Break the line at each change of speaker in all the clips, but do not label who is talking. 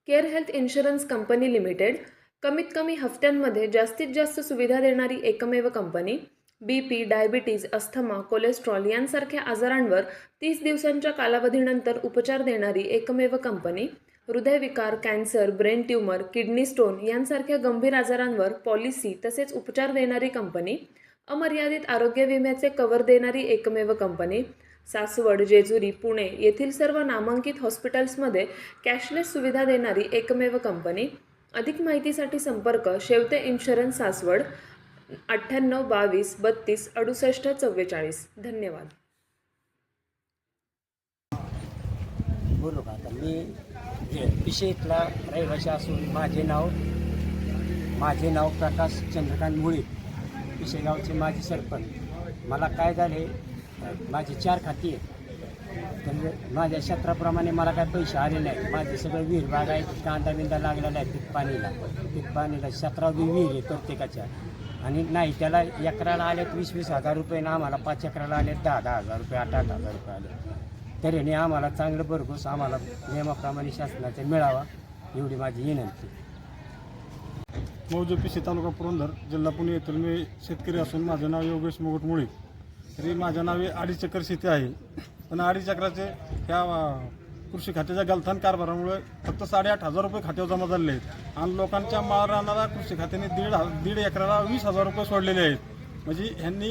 Care health insurance company limited कमीत कमी हफ्त्यांमध्ये जास्तीत जास्त सुविधा देणारी एकमेव कंपनी. BP, डायबिटीज, अस्थमा, कोलेस्ट्रॉल यांसारख्या आजारांवर 30 दिवसांच्या कालावधीनंतर उपचार देणारी एकमेव कंपनी. हृदयविकार, cancer, brain tumour, kidney stone यांसारख्या गंभीर आजारांवर पॉलिसी तसेच उपचार देणारी कंपनी. अमर्यादित आरोग्य विम्याचे कव्हर देणारी एकमेव कंपनी. सासवड, जेजुरी, पुणे येथील सर्व नामांकित हॉस्पिटल्समध्ये कॅशलेस सुविधा देणारी एकमेव कंपनी. अधिक माहितीसाठी संपर्क शेवते इन्शुरन्स सासवड 98 22 32 68 44. धन्यवाद.
बोलू का आता मी पिशेतला रहिवासी असून माझे नाव प्रकाश चंद्रकांत मुळे, पिशेगावचे माजी सरपंच. मला काय झाले, माझी 4 खाती आहेत. तर माझ्या क्षेत्राप्रमाणे मला काय पैसे आले नाही. माझे सगळं विहीर बाग आहे, कांदा बिंदा लागलेला आहे पीक पाणीला 17 विहीर आहे प्रत्येकाच्या. आणि नाही त्याला एकराला आले 20-20 हजार रुपये ना, आम्हाला 5 एकराला आले 10-10 हजार रुपये 8-8 हजार रुपये आले. तऱ्हेने आम्हाला चांगलं भरघोस आम्हाला नियमाप्रमाणे शासनाचे मिळावा एवढी माझी विनंती.
मौजे पिशे तालुका पुरंदर जिल्हा पुणे येथील मी शेतकरी असून माझे नाव योगेश मुकुट मुळे. तरी माझ्या नावे 2.5 एकर शेती आहे. पण 2.5 एकराचे ह्या कृषी खात्याच्या गलथान कारभारामुळे फक्त 8,500 रुपये खात्यावर जमा झालेले आहेत. आणि लोकांच्या मारणारा कृषी खात्याने 1.5 एकराला 20,000 रुपये सोडलेले आहेत. म्हणजे ह्यांनी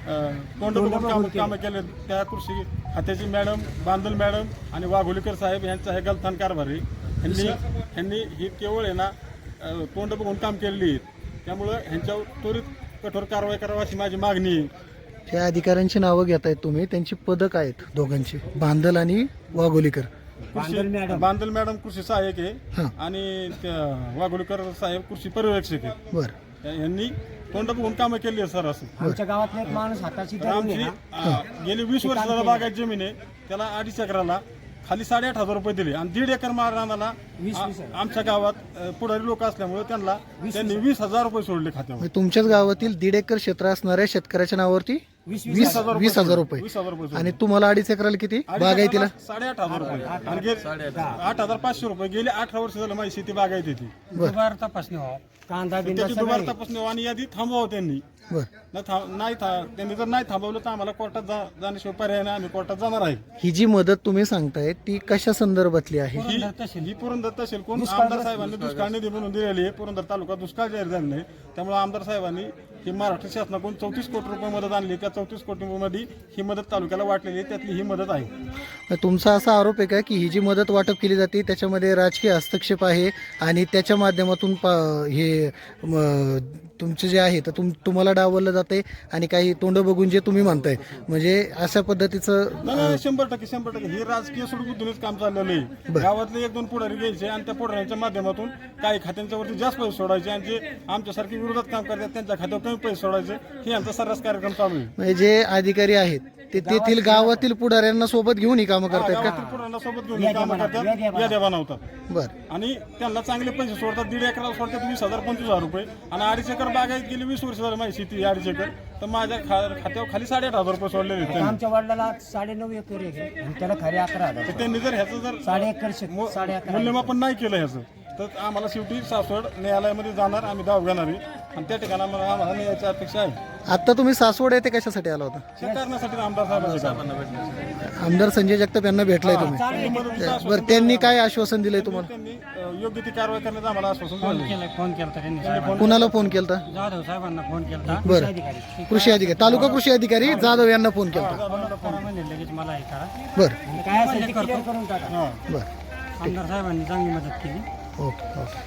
तोंड कामं केले. त्या कृषी खात्याची मॅडम बांदल मॅडम आणि वाघोलीकर साहेब यांचा हे गलथान कारभार आहे. ह्यांनी ही केवळ आहे ना तोंड बघून काम केलेली आहेत. त्यामुळं ह्यांच्यावर त्वरित कठोर कारवाई करावी अशी माझी मागणी आहे.
त्या अधिकाऱ्यांची नावं घेतायत तुम्ही, त्यांची पदक आहेत दोघांची, बांदल आणि वाघोलीकर.
बांदल मॅडम कृषी सहाय्यक आहे आणि वाघोलीकर साहेब कृषी पर्यवेक्षक आहे.
बरं,
यांनी तोंड बघून कामं केली आहे सर. असं
आमच्या गावातला एक माणूस हाताची
आमची गेली 20 वर्षाला बागायत जमीन आहे. त्याला 2.5 एकराला खाली 8,500 रुपये दिले आणि 1.5 एकर मारणाला आमच्या गावात पुढारी लोक असल्यामुळे त्यांनी 20,000 रुपये सोडले खात्यावर.
म्हणजे तुमच्याच गावातील 1.5 एकर क्षेत्र असणाऱ्या शेतकऱ्याच्या नावावरती 20,000 रुपये.
20,000 रुपये
आणि तुम्हाला 2.5 एकराला किती बागायतीला?
8,500 रुपये आणि 8,500 रुपये. गेले 18 वर्ष झालं माझी शेती बागायत होती.
दुबार तपासणी व्हावं, कांदा बिंदा
त्याची दुबार तपासणी आणि यादी थांबवावं त्यांनी.
बरं,
त्यांनी जर नाही थांबवलं तर आम्हाला कोर्टात जाण्याशिवाय पर्याय नाही. आम्ही कोर्टात जाणार आहे.
ही जी मदत तुम्ही सांगताय ती कशा संदर्भातली आहे?
ही पुरंदर तहसील कोण आमदार साहेबांनी दुष्काळ निधी म्हणून दिलेली आहे. पुरंदर तालुका दुष्काळ जाहीर झालेला आहे. त्यामुळे आमदार साहेबांनी ही महाराष्ट्र शासनाकडून 34 कोटी रुपये मदत आणली. त्या 34 कोटीमध्ये ही मदत तालुक्याला वाटलेली आहे. त्यातली ही मदत आहे.
तुमचा असा आरोप आहे का की ही जी मदत वाटप केली जाते त्याच्यामध्ये राजकीय हस्तक्षेप आहे आणि त्याच्या माध्यमातून हे तुमचे जे आहे तर तुम्हाला डावललं जाते आणि काही तोंड बघून जे तुम्ही म्हणताय म्हणजे अशा पद्धतीचं?
100% हे राजकीय सुडबुद्धीनेच काम चाललेलं आहे. गावातले 1-2 पुढारी घ्यायचे आणि त्या पुढाऱ्यांच्या माध्यमातून काही खात्यांच्या वरती जास्त पैसे सोडायचे आणि जे आमच्यासारखे विरोधात काम करतात त्यांच्या खात्यावर कमी पैसे सोडायचे. हे आमचा सर्रास कार्यक्रम चालू आहे.
म्हणजे जे अधिकारी आहेत ते तेथील गावातील पुढाऱ्यांना सोबत घेऊन ही कामं करतात का?
पुढाऱ्यांना सोबत घेऊन कामं करतात, याद्या बनवतात.
बरं,
आणि त्यांना चांगले पैसे सोडतात. 1.5 एकराला सोडतात 20,000-25,000 रुपये आणि 2.5 एकर बागायत गेली 20 वर्ष झाली माझी शेती 2.5 एकर. तर माझ्या खात्यावर खाली 8,500 रुपये सोडलेले आहेत.
आमच्या वडिलाला 9.5 एकर आहे आणि त्याला खरे 11,000.
त्यांनी जर ह्याचं जर
1.5
मूल्यमापन नाही केलं ह्याचं तर आम्हाला शेवटी सासवड न्यायालयामध्ये जाणार, आम्ही दाव घेणार आहे आणि त्या ठिकाणी आम्हाला न्यायाची अपेक्षा आहे.
आता तुम्ही सासवड येथे कशासाठी आला होता?
हे करण्यासाठी आमदार साहेबांना
आमदार संजय जगताप यांना भेटलाय तुम्ही? बरं, त्यांनी काय आश्वासन दिलंय तुम्हाला?
त्यांनी योग्य ती कारवाई करण्याचं आम्हाला आश्वासन दिलं.
फोन केला त्यांनी,
कुणाला फोन केलता?
जाधव साहेबांना फोन केला.
बरं, कृषी अधिकारी, तालुका कृषी अधिकारी जाधव यांना फोन केलता.
लगेच मला हे करा,
बरं
काय असेल ते clear करून टाका.
बरं,
आमदार साहेबांनी चांगली मदत केली.
Okay okay.